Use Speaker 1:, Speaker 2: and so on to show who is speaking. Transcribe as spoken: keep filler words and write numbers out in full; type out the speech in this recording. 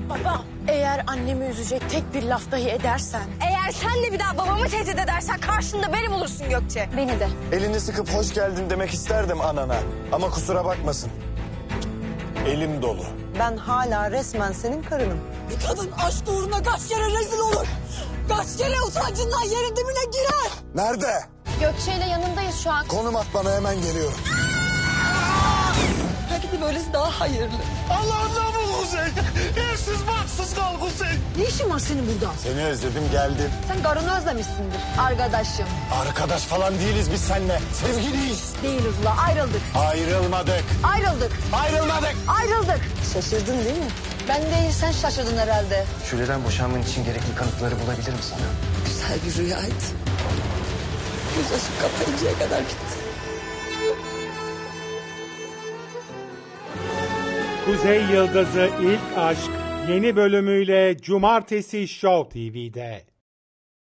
Speaker 1: Baba, eğer annemi üzecek tek bir laf dahi edersen...
Speaker 2: Eğer sen de bir daha babamı tehdit edersen karşında beni bulursun Gökçe.
Speaker 1: Beni de.
Speaker 3: Elini sıkıp hoş geldin demek isterdim anana. Ama kusura bakmasın. Elim dolu.
Speaker 4: Ben hala resmen senin karınım.
Speaker 5: Bir kadın aşk uğruna kaç kere rezil olur. Kaç kere utancından yerin dibine girer.
Speaker 3: Nerede?
Speaker 1: Gökçe ile yanındayız şu an.
Speaker 3: Konum at bana, hemen geliyorum.
Speaker 5: Belki de böylesi daha hayırlı.
Speaker 3: Allah'ından bul Kuzey. Evsiz baksız kal Kuzey.
Speaker 5: Ne işin var senin burada?
Speaker 3: Seni özledim, geldim.
Speaker 5: Sen karını özlemişsindir arkadaşım.
Speaker 3: Arkadaş falan değiliz biz seninle. Sevgiliyiz.
Speaker 5: Değiliz ula, ayrıldık.
Speaker 3: Ayrılmadık.
Speaker 5: Ayrıldık.
Speaker 3: Ayrılmadık.
Speaker 5: Ayrıldık. Şaşırdın değil mi? Ben değil, sen şaşırdın herhalde.
Speaker 6: Şule'den boşanman için gerekli kanıtları bulabilirim sana.
Speaker 5: Güzel bir rüyaydı. Göz açıp kapayıncaya kadar bitti.
Speaker 7: Kuzey Yıldızı İlk Aşk yeni bölümüyle Cumartesi Show T V'de.